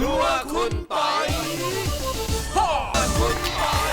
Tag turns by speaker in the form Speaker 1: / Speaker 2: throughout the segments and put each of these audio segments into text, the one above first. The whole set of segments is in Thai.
Speaker 1: รัวคุณปอยคุณปอย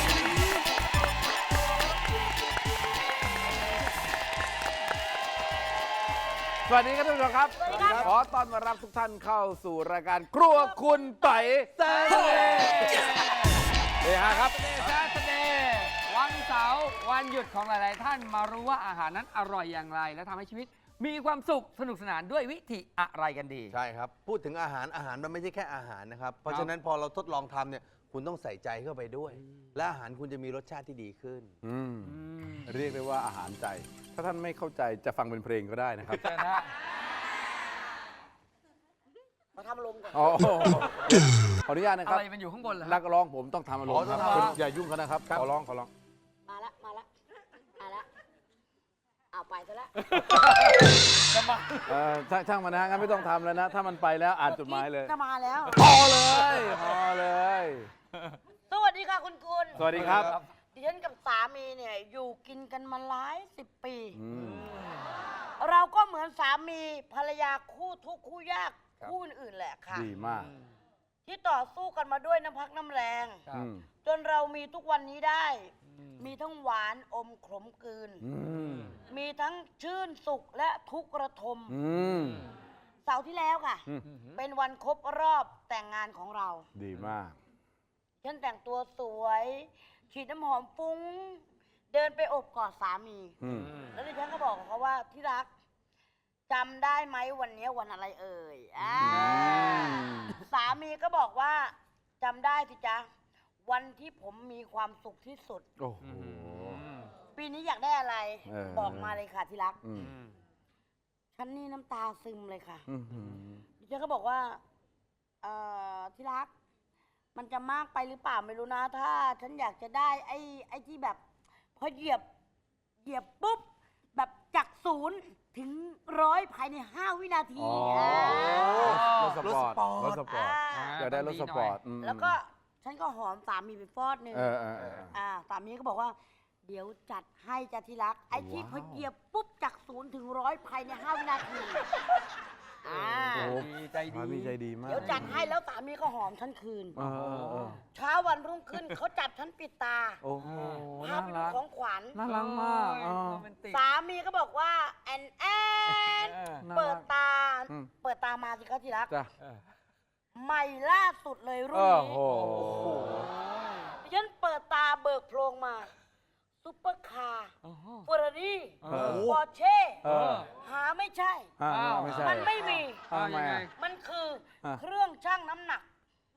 Speaker 2: สวัสดีครับท่านผู้ชมครับ
Speaker 3: สวัสดีครับ
Speaker 2: ขอต้อนรับทุกท่านเข้าสู่รายการครัวคุณไต่เซ่เฮ้ยครับ
Speaker 4: Saturday วันเสาร์วันหยุดของหลาย ๆ ท่านมารู้ว่าอาหารนั้นอร่อยอย่างไร และทำให้ชีวิตมีความสุขสนุกสนานด้วยวิธีอะไรกันดี
Speaker 5: ใช่ครับ พูดถึงอาหารมันไม่ใช่แค่อาหารนะครับ เพราะฉะนั้นพอเราทดลองทำเนี่ยคุณต้องใส่ใจเข้าไปด้วย และอาหารคุณจะมีรสชาติที่ดีขึ้น
Speaker 2: เรียกได้ว่าอาหารใจ ถ้าท่านไม่เข้าใจจะฟังเป็นเพลงก็ได้นะครับ
Speaker 4: เชิญฮะ
Speaker 3: มาทำลมก่อน
Speaker 2: อ๋อขออนุญาตนะค
Speaker 4: อะ
Speaker 2: รับ
Speaker 4: ไรมันอยู่ข้างบนเหรอ
Speaker 2: นักร้องผมต้องทำอารมณ์ครับ
Speaker 5: อ๋อต้องทำ
Speaker 2: คุณอย่ายุ่งเขานะครับขอร้อง
Speaker 3: มาละเอาไปซะละ
Speaker 2: ช่างมันนะฮะงั้นไม่ต้องทำแล้วนะ ถ้ามันไปแล้วอ่านจดหมายเลย
Speaker 3: จะมาแล้ว
Speaker 2: พอเลย
Speaker 3: สวัสดีค่ะคุณ
Speaker 2: สวัสดีครับ
Speaker 3: ดิฉันกับสามีเนี่ยอยู่กินกันมาหลาย10 ปี
Speaker 2: อืม
Speaker 3: เราก็เหมือนสามีภรรยาคู่ทุกข์คู่ยากคู่อื่นๆแหละค่ะ
Speaker 2: ดีมาก
Speaker 3: ที่ต่อสู้กันมาด้วยน้ำพักน้ำแรง
Speaker 2: อืม
Speaker 3: จนเรามีทุกวันนี้ได้ มีทั้งหวานอมขมกลืน
Speaker 2: อืม
Speaker 3: มีทั้งชื่นสุขและทุกข์ระทม
Speaker 2: อืม
Speaker 3: เสาร์ที่แล้วค่ะ
Speaker 2: อืม
Speaker 3: เป็นวันครบรอบแต่งงานของเรา
Speaker 2: ดีมาก
Speaker 3: ฉันแต่งตัวสวย ฉีดน้ำหอมฟุ้ง เดินไปอบกอดสามี
Speaker 2: อืม
Speaker 3: แล้วดิฉันก็บอกกับเขาว่าที่รักจำได้ไหมวันนี้วันอะไรเอ่ยสามีก็บอกว่าจำได้สิจ๊ะ วันที่ผมมีความสุขที่สุด
Speaker 2: โอ้โห
Speaker 3: ปีนี้อยากได้อะไร บอกมาเลยค่ะที่รัก
Speaker 2: อืม
Speaker 3: ฉันนี่น้ำตาซึมเลยค่ะ
Speaker 2: อืม
Speaker 3: ดิฉันก็บอกว่าที่รัก มันจะมากไปหรือเปล่าไม่รู้นะ ถ้าฉันอยากจะได้ไอ้ที่แบบพอเหยียบปุ๊บ แบบจาก0 ถึง 100 ภายใน 5 วินาที
Speaker 2: อ๋อรถสปอร์ต รถสปอร์ต อยากได้รถสปอร์ตอืม
Speaker 3: แล้วก็ฉันก็หอมสามีไปฟอดหนึ่ง
Speaker 2: เออ
Speaker 3: สามีก็บอกว่า เดี๋ยวจัดให้จ้ะที่รัก ไอ้ที่พอเหยียบปุ๊บจาก0 ถึง 100 ภายใน 5 วินาที
Speaker 2: โอ้โห
Speaker 4: ดีใจดี
Speaker 2: สามีใจดีมาก
Speaker 3: เดี๋ยวจัดให้แล้วสามีก็หอมฉันคืน
Speaker 2: เออ
Speaker 3: เช้าวันรุ่งขึ้น เขาจับฉันปิดตา
Speaker 2: โอ้โห
Speaker 3: พา
Speaker 2: น่า
Speaker 3: ไปดู
Speaker 2: รัก
Speaker 3: ของขวัญ
Speaker 2: น่ารักมากเออ
Speaker 4: โรแมนติก
Speaker 3: สามีก็บอกว่าแอน
Speaker 2: น่า
Speaker 3: เปิ
Speaker 2: รั
Speaker 3: ด
Speaker 2: ก
Speaker 3: ตา
Speaker 2: อืม
Speaker 3: เปิดตามาสิครับที่รัก
Speaker 2: จ้ะ
Speaker 3: ใหม่ล่าสุดเลยรุ่น
Speaker 2: โอ้
Speaker 3: นี้
Speaker 2: โห
Speaker 3: ดิฉันเปิดตาเบิกโพรงมาซุปเปอร์คาร์เฟอร์รารี่
Speaker 2: เออ
Speaker 3: ปอร์เช่
Speaker 2: เออ
Speaker 3: หาไม่ใช่
Speaker 2: ไม่ใช่
Speaker 3: มันไม่มี
Speaker 2: ทำไมอ่ะ
Speaker 3: มันคือ
Speaker 2: อ่ะ
Speaker 3: เครื่องชั่งน้ำหนัก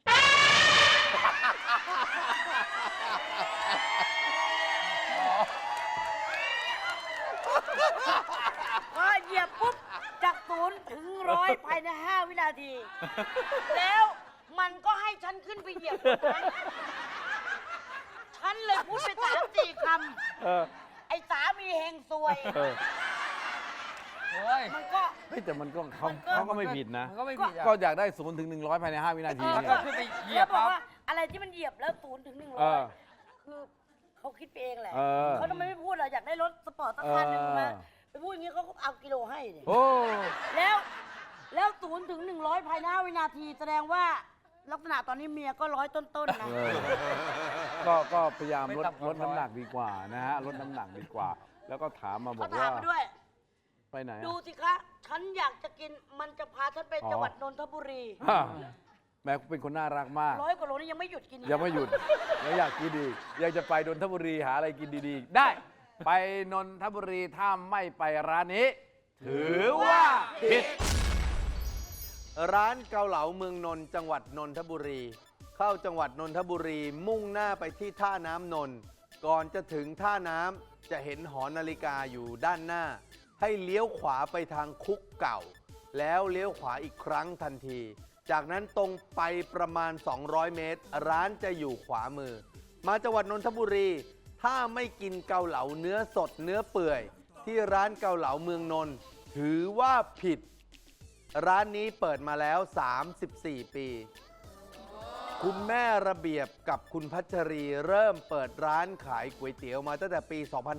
Speaker 3: พอเหยียบปุ๊บ จาก0 ถึง 100 ภายใน 5 วินาที แล้วมันก็ให้ฉันขึ้นไปเหยียบตรงนั้นฉันเลยพูดไป3-4 ค
Speaker 2: เออ
Speaker 3: ำ ไอ้สามีเฮงซวย
Speaker 2: เออ
Speaker 4: โอ้ย
Speaker 3: มันก็
Speaker 2: เฮ้ยแต่มันก็เขา
Speaker 3: มันก็
Speaker 2: เขาก็ไม่ผิดนะ
Speaker 4: มันก็ไม่ผิดอ่ะ
Speaker 2: ก็อยากได้0 ถึง 100 ภายใน 5 วินาที
Speaker 4: แล้ว
Speaker 2: เนี่
Speaker 4: ก็
Speaker 2: ย
Speaker 4: ขึ้นไปเหยียบ
Speaker 3: แล้วบอก
Speaker 4: ปั๊บ
Speaker 3: ว่าอะไรที่มันเหยียบแล้ว0 ถึง
Speaker 2: เออ
Speaker 3: 100 คือเขาคิดไปเองแหละ
Speaker 2: เออ
Speaker 3: เขาทำไมไม่พูดล่ะอยากได้รถสปอร์ตสักคันหนึ่ง
Speaker 2: เออ
Speaker 3: มาไปพูดอย่างนี้เขาก็เอากิโลให้ดิ
Speaker 2: โอ้
Speaker 3: แล้ว0 ถึง 100 ภายใน 5 วินาที แสดงว่าลักษณะตอนนี้เมียก็100 ต้นๆนะ
Speaker 2: เออก็พยายามลดน้ำหนักดีกว่านะฮะลดน้ำหนักดีกว่า แล้วก็ถามมาบอ
Speaker 3: เขา
Speaker 2: ก
Speaker 3: ถาม
Speaker 2: ว่า
Speaker 3: มาด้วย
Speaker 2: ไปไหนอะ
Speaker 3: ดูสิคะ ฉันอยากจะกินมันจะพาฉันไป
Speaker 2: อ๋อ
Speaker 3: จังหวัดนนทบุรี
Speaker 2: อ่ะแม่เป็นคนน่ารักมาก
Speaker 3: 100 กว่าโลนี่ยังไม่หยุดกินอีก
Speaker 2: ยังไม่หยุดแล้วอยากกินดีอยากจะไปนนทบุรีหาอะไรกินดีๆ ได้ไปนนทบุรีถ้าไม่ไปร้านนี้ ถือว่าผิด
Speaker 5: ร้านเกาเหลาเมืองนนท์จังหวัดนนทบุรี เข้าจังหวัดนนทบุรี มุ่งหน้าไปที่ท่าน้ำนนท์ก่อนจะถึงท่าน้ำจะเห็นหอนาฬิกาอยู่ด้านหน้า ให้เลี้ยวขวาไปทางคุกเก่า แล้วเลี้ยวขวาอีกครั้งทันที จากนั้นตรงไปประมาณ 200 เมตร ร้านจะอยู่ขวามือ มาจังหวัดนนทบุรี ถ้าไม่กินเกาเหลาเนื้อสดเนื้อเปื่อย ที่ร้านเกาเหลาเมืองนนท์ถือว่าผิด ร้านนี้เปิดมาแล้ว 34 ปี คุณแม่ระเบียบกับคุณพัชรีเริ่มเปิดร้านขายก๋วยเตี๋ยวมาตั้งแต่ปี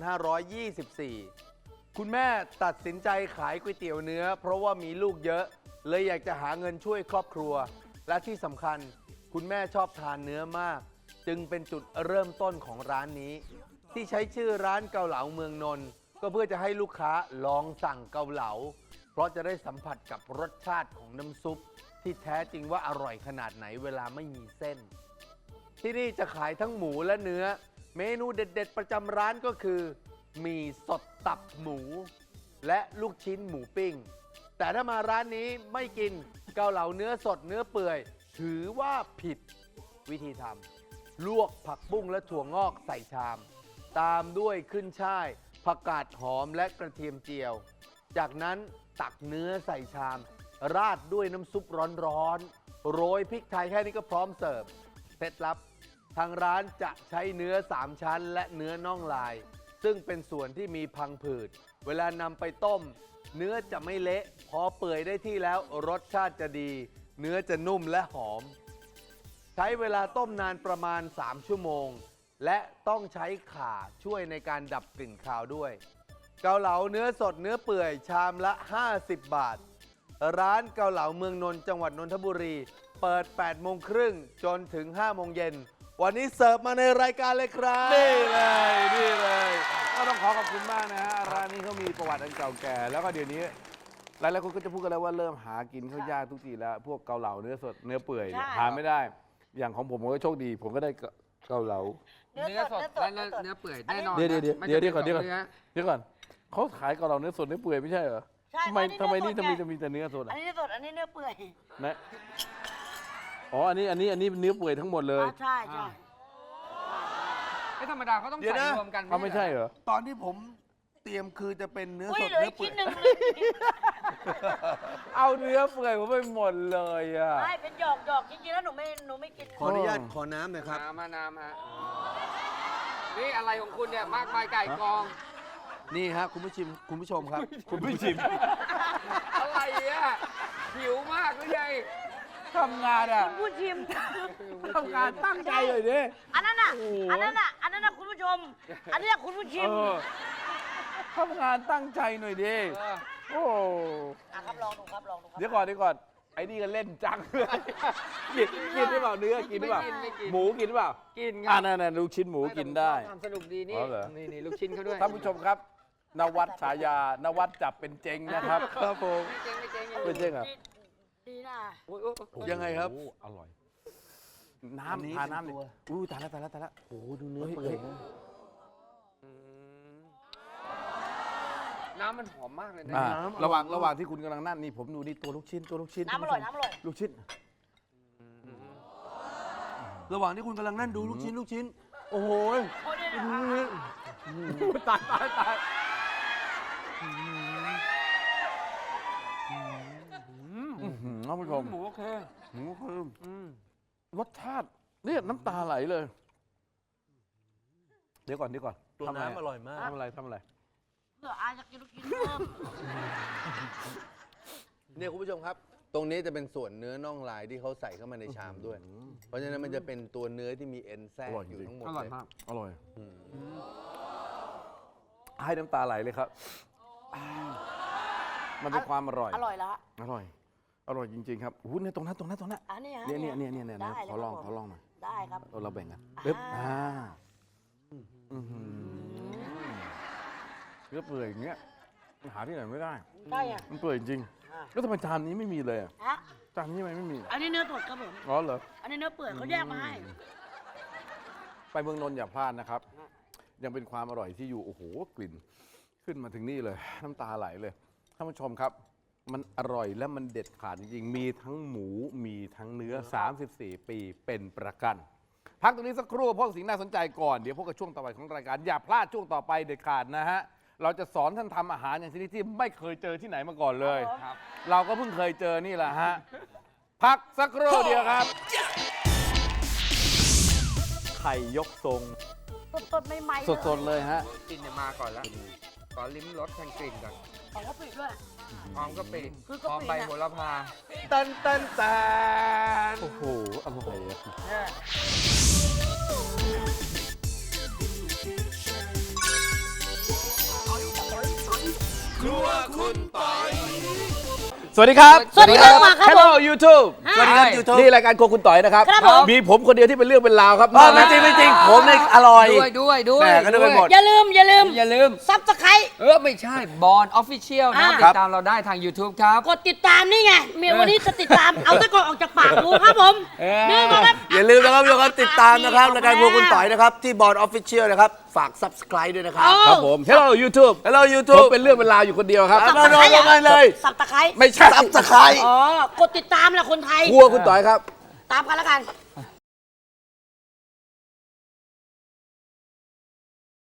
Speaker 5: 2524 คุณแม่ตัดสินใจขายก๋วยเตี๋ยวเนื้อ เพราะว่ามีลูกเยอะ เลยอยากจะหาเงินช่วยครอบครัวและที่สำคัญคุณแม่ชอบทานเนื้อมาก จึงเป็นจุดเริ่มต้นของร้านนี้ ที่ใช้ชื่อร้านเกาเหลาเมืองนนท์ก็เพื่อจะให้ลูกค้าลองสั่งเกาเหลา เพราะจะได้สัมผัสกับรสชาติของน้ำซุป ที่แท้จริงว่าอร่อยขนาดไหนเวลาไม่มีเส้น ที่นี่จะขายทั้งหมูและเนื้อ เมนูเด็ดๆประจำร้านก็คือหมี่สดตับหมู และลูกชิ้นหมูปิ้ง แต่ถ้ามาร้านนี้ไม่กินเกาเหลาเนื้อสดเนื้อเปื่อย ถือว่าผิดวิธีทำลวกผักบุ้งและถั่วงอกใส่ชาม ตามด้วยขึ้นช่ายผักกาดหอมและกระเทียมเจียว จากนั้นตักเนื้อใส่ชาม ราดด้วยน้ำซุปร้อนๆโรยพริกไทยแค่นี้ก็พร้อมเสิร์ฟเคล็ดลับ ทางร้านจะใช้เนื้อ3ชั้นและเนื้อน่องลาย ซึ่งเป็นส่วนที่มีพังผืดเวลานำไปต้ม เนื้อจะไม่เละพอเปื่อยได้ที่แล้วรสชาติจะดี เนื้อจะนุ่มและหอม ใช้เวลาต้มนานประมาณ3ชั่วโมง และต้องใช้ข่าช่วยในการดับกลิ่นคาวด้วย เกาเหลาเนื้อสดเนื้อเปื่อยชามละ50 บาท ร้านเกาเหลาเมืองนนท์จังหวัดนนทบุรี เปิด8โมงครึ่งจนถึง5โมงเย็นวันนี้เสิร์ฟมาในรายการเลยครับ
Speaker 2: นี่เลยนี่เลยก็ต้องขอบคุณมากนะฮะร้านนี้เขามีประวัติอันเก่าแก่ แล้วก็เดี๋ยวนี้หลายๆคนก็จะพูดกันแล้วว่าเริ่มหากินเขายากทุกทีแล้ว พวกเกาเหลาเนื้อสดเนื้อเปื่อยเนี่ย
Speaker 3: ใช่
Speaker 2: หาไม่ได้ อย่างของผมก็โชคดี ผมก็ได้เกาเหลา
Speaker 4: เนื้อสดและเนื้อเปื่อยแน่นอน
Speaker 2: เดี๋ยว
Speaker 4: นะ
Speaker 2: เดี๋ยว
Speaker 4: ไม่
Speaker 2: เดี๋ยว
Speaker 4: ใช่
Speaker 2: ก่อนเดี๋ยวก่อน
Speaker 4: เนื้อ
Speaker 2: เดี๋ยวก่อนเขาขายเกาเหลาเนื้อสดเนื้อเปื่อยไม่ใช่เหรอ
Speaker 3: ใช่
Speaker 2: ทำไม
Speaker 3: อันนี้
Speaker 2: ทำไมนี่
Speaker 3: เนื้อสด
Speaker 2: จะมีแต่เนื้อสด
Speaker 3: อัน
Speaker 2: อ่ะ
Speaker 3: นี้เนื้อสดอันนี้เนื้อเปื่อย
Speaker 2: นะอ๋ออันนี้เนื้อเปื่อยทั้งหมดเลย
Speaker 3: ใช่ใช่
Speaker 4: ไม่ธรรมดาเขาต้อง
Speaker 5: เดี๋ยว
Speaker 4: ใส่
Speaker 5: นะ
Speaker 4: รวมกัน
Speaker 2: เขาไม่ใช่เหรอ
Speaker 5: ตอนที่ผมเตรียมคือจะเป็นเนื้อ
Speaker 3: อุ้ย
Speaker 5: สด
Speaker 3: เหลือ
Speaker 5: เนื้
Speaker 3: อี
Speaker 5: อก เปื่
Speaker 3: ชิ้
Speaker 5: อน ย
Speaker 3: หนึ่งเลย
Speaker 2: เอาเนื้อเปื่อยผมไปหมดเลยอ่ะ
Speaker 3: ไม่เป็นหยอกจริงๆแล้วหนูไม่กิน
Speaker 5: ขออนุญาตขอน้ำหน่อยครับ
Speaker 4: น้ำฮะนี่อะไรของคุณเนี่ยมากมายไก่กอง
Speaker 5: นี่ฮะคุณผู้ชมครับ
Speaker 2: คุณผู้ชิม
Speaker 4: อะไรอ่ะหิวมากหรือไง
Speaker 2: ทำงานอ่ะ
Speaker 3: พูดชิม
Speaker 2: ทำงานตั้งใจเลยดิ
Speaker 3: อันนั้นน่ะ
Speaker 2: โอ้โห
Speaker 3: อันนั้นน่ะคุณผู้ชม อันนี้คุณผู้ชิม
Speaker 2: ทำงานตั้งใจหน่อยดิ โอ้
Speaker 3: ครับลองดูครับลองดูครับ
Speaker 2: เดี๋ยวก่อน ไอ้นี่ก็เล่นจังเลยกินหรือเปล่าเนื้อกินหรือเปล่า
Speaker 4: ไม่กิน
Speaker 2: หมูกินหรือเปล่า
Speaker 4: กินไง
Speaker 2: นั่นลูกชิ้นหมูกินได้
Speaker 4: ความสนุกดีนี่
Speaker 2: อ๋อเหรอ
Speaker 4: นี่ลูกชิ้นเขาด้วย
Speaker 2: ท่านผู้ชมครับ นวัดฉายานวัดจับเป็นเจงนะครับ ครับผม
Speaker 4: ไม่เจ๊ง
Speaker 2: เป็นเจงเหรอ
Speaker 3: ดีนะ
Speaker 4: โอ้ย
Speaker 5: ยังไงครับ
Speaker 2: โอ้อร่อย
Speaker 5: อันนี้
Speaker 2: น้ำทาน้ำ
Speaker 5: เป็น
Speaker 2: ดิ
Speaker 5: ตัว
Speaker 2: อู้ตายแล้วโอ้ดูเนื้อเปื่อย
Speaker 4: น้ำมันหอมมากเลยนะ
Speaker 2: ระหว่างที่คุณกำลังนั่นนี่ผมดูนี่ตัวลูกชิ้น
Speaker 3: น้ำอร่อยน้ำอร่อย
Speaker 2: ลูกชิ้น
Speaker 5: ระหว่างที่คุณกำลังนั่นดูลูกชิ้น โอ้โห
Speaker 3: โอ้ยเนี่ย
Speaker 2: ตายท่านผู้ชม
Speaker 4: หมูโอเค
Speaker 2: หมูคือรสชาติเนี่ยน้ำตาไหลเลย เดี๋ยวก่อน
Speaker 5: ตัว
Speaker 2: ทำะไ
Speaker 5: น้ำอร่อยมาก
Speaker 2: ทำอะไร
Speaker 3: เผื่ออาจะกินลูกชิ้นเพิ่ม
Speaker 5: เนี่ยคุณผู้ชมครับ ตรงนี้จะเป็นส่วนเนื้อน่องลายที่เขาใส่เข้ามาในชามด้วย เพราะฉะนั้นมันจะเป็นตัวเนื้อที่มีเอ็นแทรก
Speaker 2: อร่อย
Speaker 5: อยู่
Speaker 2: จริง
Speaker 5: ทั้งหมด
Speaker 4: อร่อย
Speaker 5: เลย
Speaker 4: มาก
Speaker 2: อร่อย
Speaker 5: อืม
Speaker 2: ให้น้ำตาไหลเลยครับ มันเป็นความอร่อย
Speaker 3: อร่อยแล้วฮะ
Speaker 2: อร่อยจริง ๆ ครับอู้เนี่ยตรงนั้น
Speaker 3: อันนี้ฮะ
Speaker 2: เนี่ย
Speaker 3: ได้
Speaker 2: ขอลอง
Speaker 3: ครับผม
Speaker 2: หน่อย
Speaker 3: ได้ครับ
Speaker 2: เราแบ่งกัน
Speaker 3: อ่า
Speaker 2: ปึ๊บเนื้อเปื่อยอย่างเงี้ยหาที่ไหนไม่ได้
Speaker 3: ได้อ่ะ
Speaker 2: มันเปื่อยจริง
Speaker 3: อ่า
Speaker 2: แล้วทำไมจานนี้ไม่มีเลยอะ
Speaker 3: ฮะ
Speaker 2: จานนี้ทำไมไม่มี
Speaker 3: อันนี้เนื้อสดครับผม
Speaker 2: อ๋อเหรอ
Speaker 3: อันนี้เนื้อเปื่อยเขาแยกมาให้
Speaker 2: ไปเมืองนนท์อย่าพลาดนะครับ ยังเป็นความอร่อยที่อยู่ โอ้โห กลิ่น ขึ้นมาถึงนี่เลย น้ำตาไหลเลย ท่านผู้ชมครับ มันอร่อยและมันเด็ดขาดจริงๆ มีทั้งหมู มีทั้งเนื้อ 34 ปีเป็นประกัน พักตรงนี้สักครู่พวกสิ่งน่าสนใจก่อน เดี๋ยวพบกับช่วงต่อไปของรายการ อย่าพลาดช่วงต่อไปเด็ดขาดนะฮะ เราจะสอนท่านทำอาหารอย่างชนิดที่ไม่เคยเจอที่ไหนมาก่อนเลย
Speaker 4: ครับ
Speaker 2: เราก็เพิ่งเคยเจอนี่แหละฮะ พักสักครู่เดียวครับ ไข่ยกทรง
Speaker 3: สดๆใหม่ๆ
Speaker 2: สดๆเลยฮะ
Speaker 4: กลิ่นเนี่ยมาก่อนแล้วขอลิ้มรสแทนกลิ่นก่อน
Speaker 3: ของกะปิด้วย
Speaker 4: หอมกะปิ
Speaker 3: คือกะปิ
Speaker 4: หอมใบ
Speaker 3: น่ะ
Speaker 4: โหระพา
Speaker 5: ตัน
Speaker 2: โอ้โห อร่อยอะ
Speaker 5: ครัวคุณปอย
Speaker 2: สวัสดีครับ
Speaker 3: สวัสดีครับมาครับผม
Speaker 2: Hello YouTube
Speaker 5: สวัสดีครับ YouTube
Speaker 2: นี่รายการโครัวคุณต่อยนะครับ
Speaker 3: ครับผม
Speaker 2: มีผมคนเดียวที่เป็นเรื่องเป็นราวครับ
Speaker 5: ไม่จริงไม่จริงผมเนี่ยอร่อย
Speaker 4: ด้วย
Speaker 5: แหม่ก็นึกไปหมด
Speaker 3: อย่าลืม
Speaker 4: อย่าลืม
Speaker 3: ซับสไครต์
Speaker 4: ไม่ใช่บอลออฟฟิเชียลนะ
Speaker 3: อ่า
Speaker 4: ติดตามเราได้ทาง YouTube ครับ
Speaker 3: กดติดตามนี่ไงเมียวันนี้จะติดตาม เอาตะกอนออกจากปากดูครับผม นี่มาครับ
Speaker 5: อย่าลืมนะครับทุกคนติดตามนะครับรายการพวกคุณต่อยนะครับ ที่บอร์ดออฟฟิเชียลนะครับ ฝาก subscribe ด้วยนะครับ
Speaker 2: ครับผม Hello YouTube
Speaker 5: Hello
Speaker 2: ผม
Speaker 5: YouTube
Speaker 2: เป็นเรื่องเป็นราวอยู่คนเดียวครับ
Speaker 5: มาลงกันเลย
Speaker 3: สับตะไคร้
Speaker 2: ไม่ใช่
Speaker 5: subscribe
Speaker 3: อ๋อ กดติดตามแหละคนไทย
Speaker 2: ครัวคุณต่อยครับ
Speaker 3: ตามกันแล้วกัน